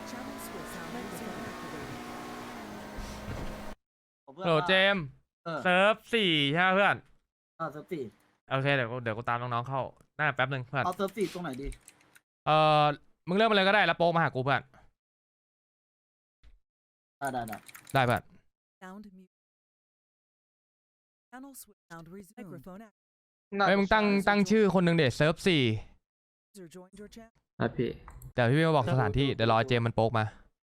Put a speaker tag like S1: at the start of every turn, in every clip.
S1: โหลเจมส์เซิร์ฟสี่ใช่ไหมเพื่อน
S2: เซิร์ฟสี่
S1: โอเคเดี๋ยวกูตามน้องๆเข้าได้แป๊บหนึ่งเพื่อน
S2: เอาเซิร์ฟสี่ตรงไหนดี
S1: เออมึงเริ่มมาเลยก็ได้แล้วโป๊กมาหากูเพื่อน
S2: ได้
S1: ได้เพื่อนเฮ้ยมึงตั้งชื่อคนหนึ่งเดชเซิร์ฟสี่
S3: ครับพี่
S1: เดี๋ยวพี่มาบอกสถานที่เดี๋ยวรอเจมส์มันโป๊กมา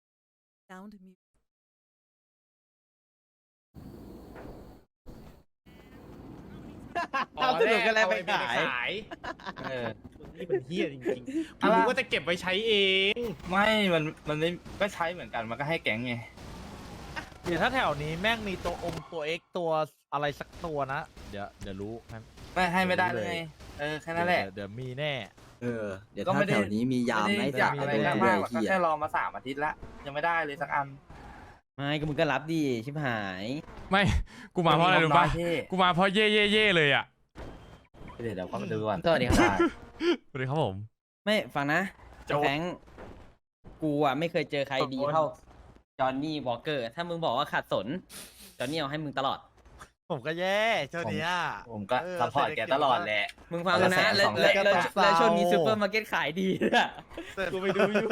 S4: ทำสนุกกันแล้วไปขายนี่เป็นเฮี้ยจริงๆกูรู้ว่าจะเก็บไว้ใช้เอง
S5: ไม่มันไม่ก็ใช้เหมือนกันมันก็ให้แก๊งไง
S4: เดี๋ยวถ้าแถวนี้แม่งมีตัวตัว X ตัวอะไรสักตัวนะ เดี๋ยวรู้
S5: ไม่ให้ไม่ได้เลยไงแค่นั้นแหละ
S4: เดี๋ยวมีแน่
S3: เดี๋ยวถ้าแถวนี้มียาม
S5: ไม่
S3: ไม่
S5: ได้อยากอะไร
S3: ด้
S5: มากหรอก
S3: เหี้ย
S5: แค่รอมา3 อาทิตย์ละยังไม่ได้เลยสักอัน
S6: ไม่ก็มึงก็รับดิชิบหาย
S1: ไม่กูมาเพราะอะไรรู้ปะ
S5: พี่
S1: กูมาเพราะเย่เลยอ่ะ
S5: เดี๋ยวก็มาดูก่อน
S6: สวัสดีครับ
S1: สวัสดีครับผม
S6: ไม่ฟังนะแฟงกูอ่ะไม่เคยเจอใครดีเท่าจอห์นนี่วอลเกอร์ถ้ามึงบอกว่าขาดสนจอห์นนี่เอาให้มึงตลอด
S4: ผมก็แย่ช่วงนี้
S5: ผมก็ซัพพอร์ตแกตลอดแหละ
S6: มึงฟังกูนะ
S5: 100,000
S6: แล้วช่วงนี้ซูเปอร์มาร์เก็ตขายดีด้วย
S4: กูไปดูอยู่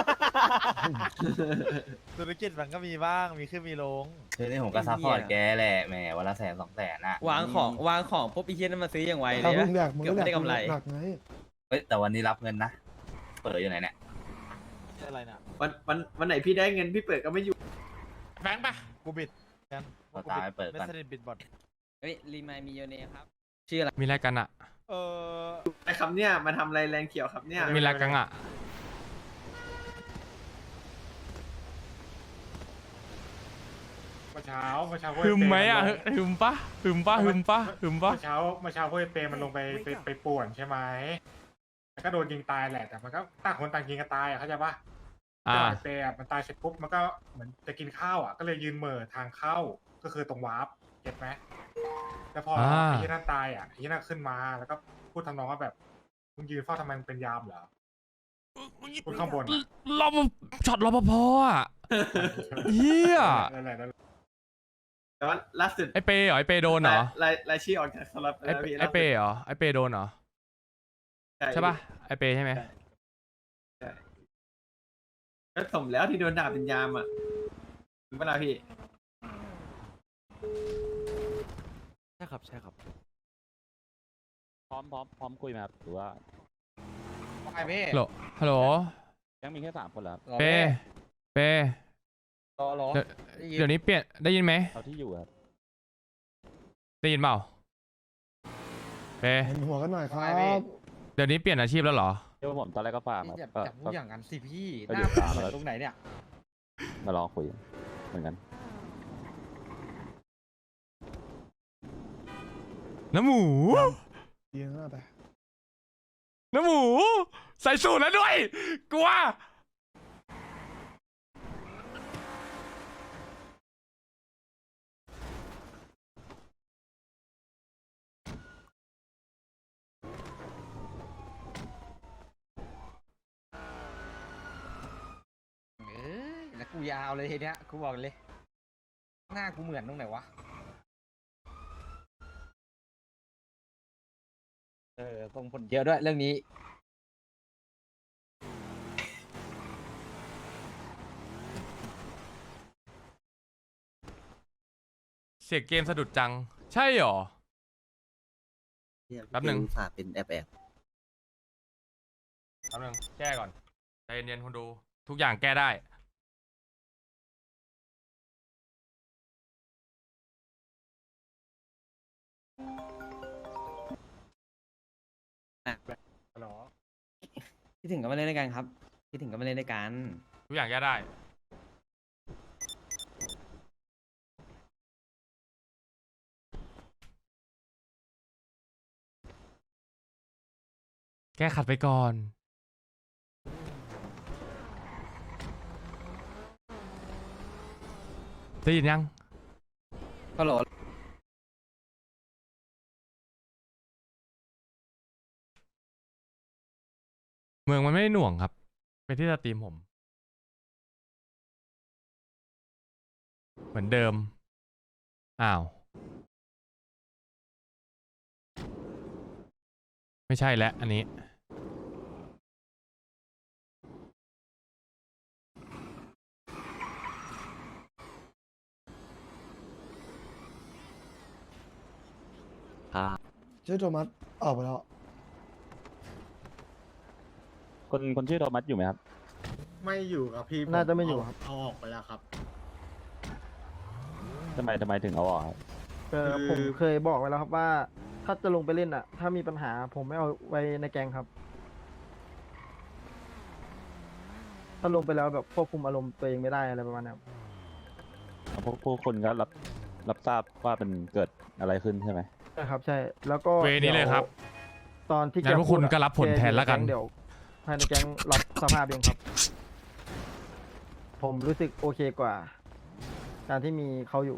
S4: ธุรกิจมันก็มีบ้างมีขึ้นมีลง
S5: ทีนี้ผมก็ซัพพอร์ตแกแหละแหมวันละ100,000 200,000น่ะ
S6: วางของปุ๊บอีเทียนนมาซื้ออย่างไวเล
S7: ถ้าย มึ
S6: นะ
S7: งอยากมึง
S6: เกือบ
S7: ก็
S6: ไม่
S7: อยาก
S6: ได้กำไร
S7: หนักไง
S5: เฮ้ยแต่วันนี้รับเงินนะเปิดอยู่ไหนเนี่ย
S4: อะไรนะ
S3: วันไหนพี่ได้เงินพี่เปิดก็ไม่อยู่
S1: แบงค์ปะ
S4: กูบิดกัน
S5: เราตามไปเปิด
S4: ไม่
S5: กัน
S4: สนิทบิดบอท
S6: เฮ้ยรีมายมีโยเนครับชื่ออะไร
S1: มีอะไรกันอ่ะ
S3: ไอ้คำเนี่ยมาทำอะไรแรงเขียวครับเนี่ย
S1: มีอะไรกันอ่ะ
S8: เมื่อเช้า
S1: หึมไหมอ่ะหึมปะหึมปะ
S8: เมื่อเช้าห้วยเปมันลงไปป่วนใช่ไหมแล้วก็โดนยิงตายแหละแต่มันก็ต่างคนต่างยิงกันตายอ่ะเข้าใจปะ
S1: อ่า
S8: ไอ้เปอ่ะมันตายเสร็จปุ๊บมันก็เหมือนจะกินข้าวอ่ะก็เลยยืนเหม่อทางเข้าก็คือตรงวาร์ปเก็ตไหมแล้วพอไอ้ที่นั่นตายอ่ะไอ้ที่นั่นขึ้นมาแล้วก็พูดทำนองว่าแบบมึงยืนเฝ้าทำไมมึงเป็นยามเหรอพูดข้างบนอะ
S1: รปภช็อตรปภอ่ะเฮีย
S8: นั่นแหละ
S3: แต่ว่าล่าสุด
S1: ไอเปย์เหรอไอเปย์โดนเหรอ
S3: รายชื่อออกจากสล็อต
S1: ไอเปย์เหรอไอเปย์โดนเหรอใช่ปะไอเปย์ใช่ไหม
S3: ก็สมแล้วที่โดนด่าเป็นยามอ่ะเป็นเวลาพี่
S4: ใช่ครับ
S9: พร้อมคุยไหมครับหรือว่า
S4: ไอเม่
S1: ฮัลโหล
S9: ยังมีแค่3 คนเหรอครับ
S1: เปย์เปย์
S4: รอ
S1: เดี๋ยวนี้เปลี่ยนได้ยินไหม
S9: เอาที่อยู่ครับ
S1: ได้ยินเปล่าเปย์
S7: เห็นหัวกันหน่อยครับ
S1: เดี๋ยวนี้เปลี่ยนอาชีพแล้วเหรอ
S9: เดี๋ยวผมตอนแรกก็ฟาร์มครับ
S4: จับมุกอย่างนั้นสิพี่
S9: ก็อยู่ฟาร์มแล้ว
S4: ตรงไหนเนี่ย
S9: มาลองคุยเหมือนกัน
S1: น้ำหมู
S7: ดีนะแต่
S1: น้ำหมู ใส่สูตรแล้วด้วย กลัว
S4: แล้วกูยาวเลยทีเนี้ยกูบอกเลย หน้ากูเหมือนตรงไหนวะส่งผลเยอะด้วยเรื่องนี้
S1: เสียงเกมสะดุดจัง ใช่เหรอ แป๊บหนึ่ง
S3: ฝากเป็นแอบ
S1: แป๊บนึงแก้ก่อน ใจเย็นๆคุณดู ทุกอย่างแก้ได้
S8: หรอ
S6: คิดถึงก็มาเล่นด้วยกันครับคิดถึงก็มาเล่นด้วยกัน
S1: ทุกอย่างแก้ได้ แก้ขัดไปก่อน ได้ยินยัง
S6: ฮัลโหล
S1: เมืองมันไม่ได้หน่วงครับ เป็นที่สตรีมผมเหมือนเดิมอ้าวไม่ใช่แล้วอันนี้
S7: ชื่อโทมัสออกไปแล้ว
S9: คนชื่อโทมัสอยู่ไหมครับ
S3: ไม่อยู่ครับพี่
S7: น่าจะไม่อยู่ครับ
S3: เอาออกไปแล้วครับ
S9: ทำไมถึงเอาออกครับ
S7: ผมเคยบอกไว้แล้วครับว่า ถ้าจะลงไปเล่นอ่ะ ถ้ามีปัญหาผมไม่เอาไว้ในแกงครับ ถ้าลงไปแล้วแบบควบคุมอารมณ์ตัวเองไม่ได้อะไรประมาณนี้ครับ
S9: พวกคนก็รับทราบว่ามันเกิดอะไรขึ้นใช่ไหม
S7: ใช่ครับใช่แล้วก็
S1: เวนี้เลยครับ
S7: ตอนที่
S1: งั้นพวกคุณก็รับผลแทนแล้วกัน
S7: เดี๋ยวภายในแก๊งรับสภาพเองครับ ผมรู้สึกโอเคกว่า การที่มีเขาอยู่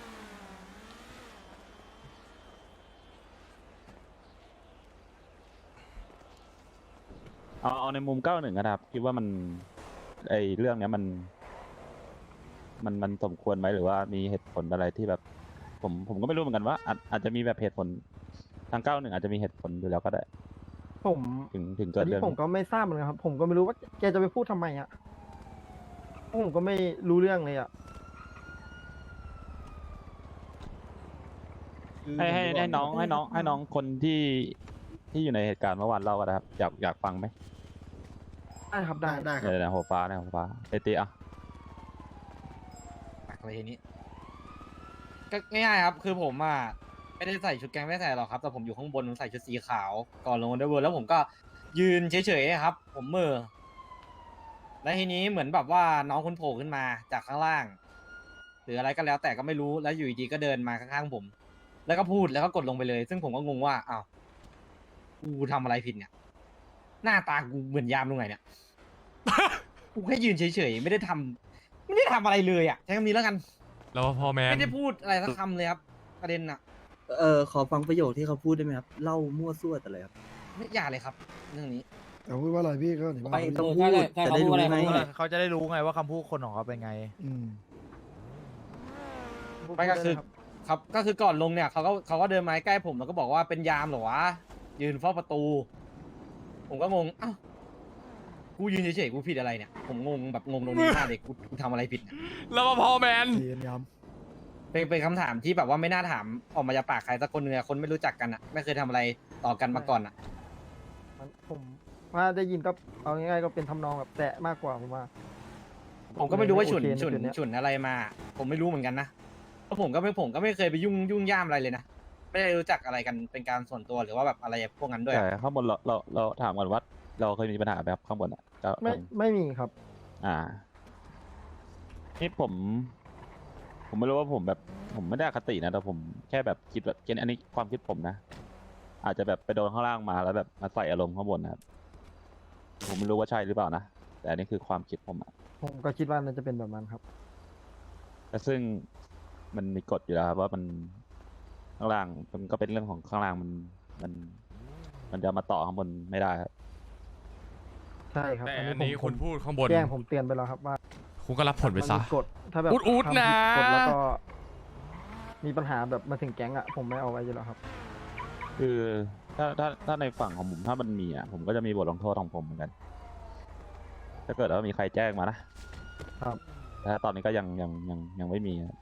S9: เอาในมุม91ก็ได้ครับคิดว่ามันไอเรื่องเนี้ยมันสมควรไหมหรือว่ามีเหตุผลอะไรที่แบบ ผมก็ไม่รู้เหมือนกันว่าอาจจะมีแบบเหตุผลทาง91อาจจะมีเหตุผลอยู่แล้วก็ได้
S7: ผม
S9: ถึงเกิ
S7: อั
S9: ด
S7: น
S9: เรื่
S7: นี้
S9: อง
S7: ผมก็ไม่ทราบเหมือนกันครับ ผมก็ไม่รู้ว่าแกจะไปพูดทำไมอ่ะผมก็ไม่รู้เรื่องเลยอ่ะ
S9: ให้น้องคนที่อยู่ในเหตุการณ์เมื่อวานเล่าก็ได้ครับอยากฟังไหม
S7: ได้ครับได้
S3: ได้ครับ
S9: เดี๋ยวหัวฟ้าเอติอ่ะ
S10: อะไรทีนี้ก็ง่ายๆครับ คือผมอ่ะไม่ได้ใส่ชุดแก๊งไม่ได้ใส่หรอกครับ แต่ผมอยู่ข้างบนผมใส่ชุดสีขาวก่อนลงอันเดอร์เวิร์แล้วผมก็ยืนเฉยๆครับ ผมมือแล้วทีนี้เหมือนแบบว่าน้องคุณโผล่ขึ้นมาจากข้างล่าง หรืออะไรก็แล้วแต่ก็ไม่รู้แล้วอยู่ดีๆก็เดินมาข้างๆผม แล้วก็พูดแล้วก็กดลงไปเลย ซึ่งผมก็งงว่าอ้าวกูทำอะไรผิดเนี่ย หน้าตากูเหมือนยามตรงไหนเนี่ย กูแค่ยืนเฉยๆไม่ได้ทำอะไรเลยอ่ะใช้คำนี้แล้วกัน
S1: แล้วพอแมน
S10: ไม่ได้พูดอะไรสักคำเลยครับ ประเด็นอะ
S2: ขอฟังประโยคที่เขาพูดได้ไหมครับ เล่ามั่วซั่วแต่เลยครับ
S10: ไม่อย่าเลยครับ เรื่องนี้
S7: แต่พูดว่าอะไรพี่ก็ถึงว่า
S2: ไม่ต้องพูดจะได้รู้ไง
S4: เขาจะได้รู้ไงว่าคำพูดคนของเขาเป็นไง
S7: อืม
S10: ไม่ก็คือครับก็คือก่อนลงเนี่ยเขาก็เดินมาใกล้ผมแล้วก็บอกว่าเป็นยามเหรอวะยืนเฝ้าประตู ผมก็งงอ้าวกูยืนเฉยๆกูผิดอะไรเนี่ย ผมงงแบบงงตรงนี้มากเลยกูทำอะไรผิดเนี่ย
S1: แล้วพอแมน
S7: เรียนย้
S10: เป็นคำถามที่แบบว่าไม่น่าถามออกมาจากปากใครสักคนหนึ่งอะคนไม่รู้จักกันอะไม่เคยทำอะไรต่อกันมาก่อนอะ
S7: ำผมว่าได้ยินก็เอาง่ายๆก็เป็นทำนองแบบแตะมากกว่าผมว่า
S10: ผมก็ไม่รู้ว่าฉุน
S7: โอเคใน
S10: ฉุน
S7: จุดเนี้ย
S10: ฉุนอะไรมา ผมไม่รู้เหมือนกันนะเพราะผมก็ไม่เคยไปยุ่งย่ามอะไรเลยนะไม่ได้รู้จักอะไรกันเป็นการส่วนตัวหรือว่าแบบอะไรพวกนั้นด้วย
S9: แต่ข้างบนเราถามก่อนว่าเราเคยมีปัญหาไหมครับข้างบนอ่ะก็
S7: ไม่มีครับ
S9: นี่ผมไม่รู้ว่าผมแบบผมไม่ได้อคตินะแต่ผมแค่แบบคิดแบบอันนี้ความคิดผมนะ อาจจะแบบไปโดนข้างล่างมาแล้วแบบมาใส่อารมณ์ข้างบนนะครับผมไม่รู้ว่าใช่หรือเปล่านะแต่อันนี้คือความคิดผมอะ
S7: ผมก็คิดว่าน่าจะเป็นแบบนั้นครับ
S9: แต่ซึ่งมันมีกฎอยู่แล้วครับว่ามันข้างล่างมันก็เป็นเรื่องของข้างล่างมันจะมาต่อข้างบนไม่ได้ครับ
S7: ใช่ครับ
S1: แต่
S7: อัน
S1: อัน
S7: นี้
S1: นี้
S7: ผ
S1: คุ
S7: ม
S1: ณพูดข้างบน
S7: แจ้งผมเตือนไปแล้วครับว่า
S1: คุณก็รับผลไปซะ
S7: มันมีกฎถ้าแบบ
S1: อุดๆ
S7: ทำผิ
S1: นะ
S7: กฎแล้วก็มีปัญหาแบบมาถึงแก๊งอ่ะผมไม่เอาไว้อยู่แล้วครับ
S9: คือถ้าในฝั่งของผมถ้ามันมีอ่ะผมก็จะมีบทลงโทษของผมเหมือนกัน ถ้าเกิดว่ามีใครแจ้งมานะครับ แต่ถ้าตอนนี้ก็ยังไม่มีครับ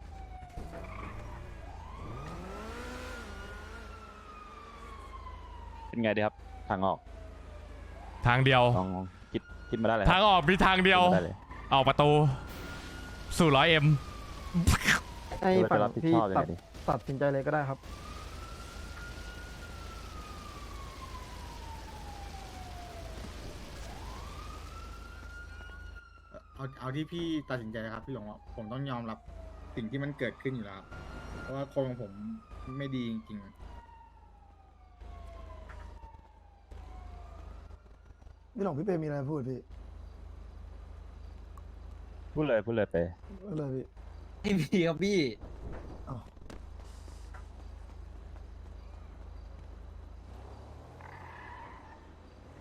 S9: เป็นไงดีครับ ทางออก
S1: ทางเดียว
S9: ลองคิดมาได้เลย
S1: ทางออกมีทางเดียว
S9: คิมาได้เลย
S1: ออกประตูสู่100M
S7: ให้
S9: คิดว่า
S7: ฝั่
S9: จะ
S7: ง
S9: รับผิด
S7: ที่
S9: ชอบยังไงดี
S7: ตัดสินใจเลยก็ได้ครับ
S3: เอาที่พี่ตัดสินใจนะครับพี่หลงผมต้องยอมรับสิ่งที่มันเกิดขึ้นอยู่แล้วครับเพราะว่าคนของผมไม่ดีจริงๆ
S7: พี่หลงพี่เปมีอะไรพูดพี่
S9: พูดเลยไป
S7: เลยพี่
S10: ไม่มีครับพี่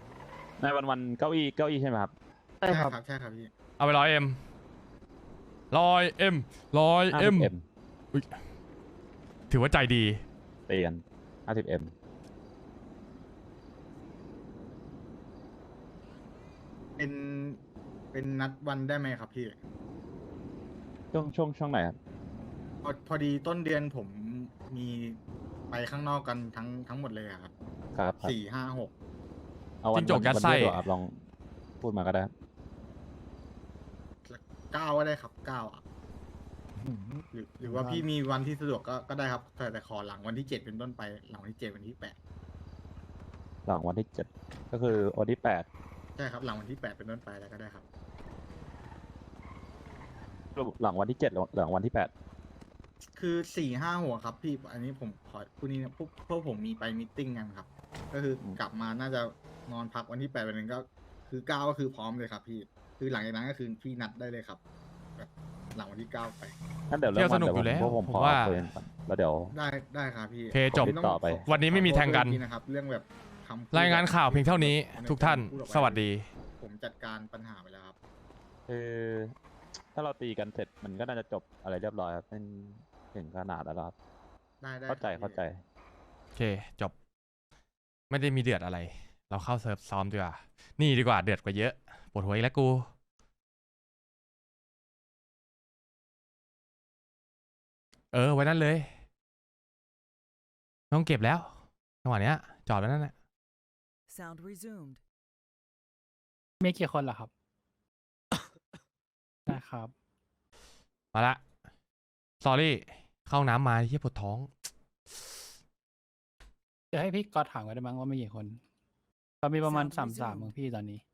S9: ในวันเก้าอี้ใช่ไหมครับ
S7: ใช่ครับ
S3: ใช่ครับพี่
S1: เอาไป100M 100M 100M
S9: 50M
S1: อุ๊ยถือว่าใจดี
S9: ตีกัน 50M
S3: เป็นนัดวันได้ไหมครับพี่
S9: ช่วงไหนครับ
S3: พอดีต้นเดือนผมมีไปข้างนอกกันทั้งหมดเลยอะครับ
S9: ครับ
S3: 4 5 6
S9: เอาวัน
S1: จิ้งจกยัดไส้
S9: วันเดียวครับลองพูดมาก็ได้ครับ
S3: 9ก็ได้ครับ9อ่ะหรือว่าพี่มีวันที่สะดวกก็ได้ครับแต่ขอหลังวันที่ 7 เป็นต้นไปหลังวันที่ 7 วันที่
S9: หลังวันที่ 7 ก็คือวันที่
S3: 8ใช่ครับหลังวันที่ 8 เป็นต้นไปแล้วก็ได้ครับ
S9: 8หลังวันที่ 7 หลังวันที่ 8
S3: คือ4 5 6ครับพี่อันนี้ผมขอพูดนี้นะพวกผมมีไปมีตติ้งกันครับ ก็คือกลับมาน่าจะนอนพักวันที่ 8 วันนึงก็คือ9ก็คือพร้อมเลยครับพี่คือหลังจากนั้นก็คือพี่นัดได้เลยครับแบบหลังวันที่ 9 ไป
S9: นั่นเดี๋ยวเริ่ม
S1: เที่ยวสนุกอยู่แล้ว
S9: พวกผม
S1: ผม
S9: ขอ
S1: ว่า
S9: คุยกันก่อนแล้วเดี๋ยว
S3: ได้ครับพี่
S1: โอเคจบ
S9: ติดต่อไป
S1: วันนี้ไม่มีแทงกัน
S3: ขอโทษด้วยนะครับเรื่องแบบคำพูด
S1: รายงานข่าวเพียงเท่านี้ ทุกท่าน
S3: พูออกไป
S1: สวัสดี
S3: ผมจัดการปัญหาไปแล้วครับ
S9: คือถ้าเราตีกันเสร็จมันก็น่าจะจบอะไรเรียบร้อยครับเป็นถึงขนาดแล้วครับ
S3: ได้
S9: เข้าใจ
S3: ครับ
S9: เข้าใจ
S1: โอเค จบ ไม่ได้มีเดือดอะไร เราเข้าเซิร์ฟซ้อมดีกว่า นี่ดีกว่าเดือดกว่าเยอะ ปวดหัวอีกแล้วกู ไว้นั่นเลยไม่ต้องเก็บแล้วจังหวะเนี้ย จอดไว้นั่นแหละ
S11: Sound resumed.
S10: มีกี่คนเหรอครับ ได้ครับ
S1: มาละ สอรี่ เข้าห้องน้ำมาที่ปวดท้อง
S10: จะให้พี่ก๊อตถามกันได้มั้งว่ามีกี่คนก็มีประมาณ
S11: Sound
S10: 3-3
S11: resumed.
S10: ของพี่ตอนนี้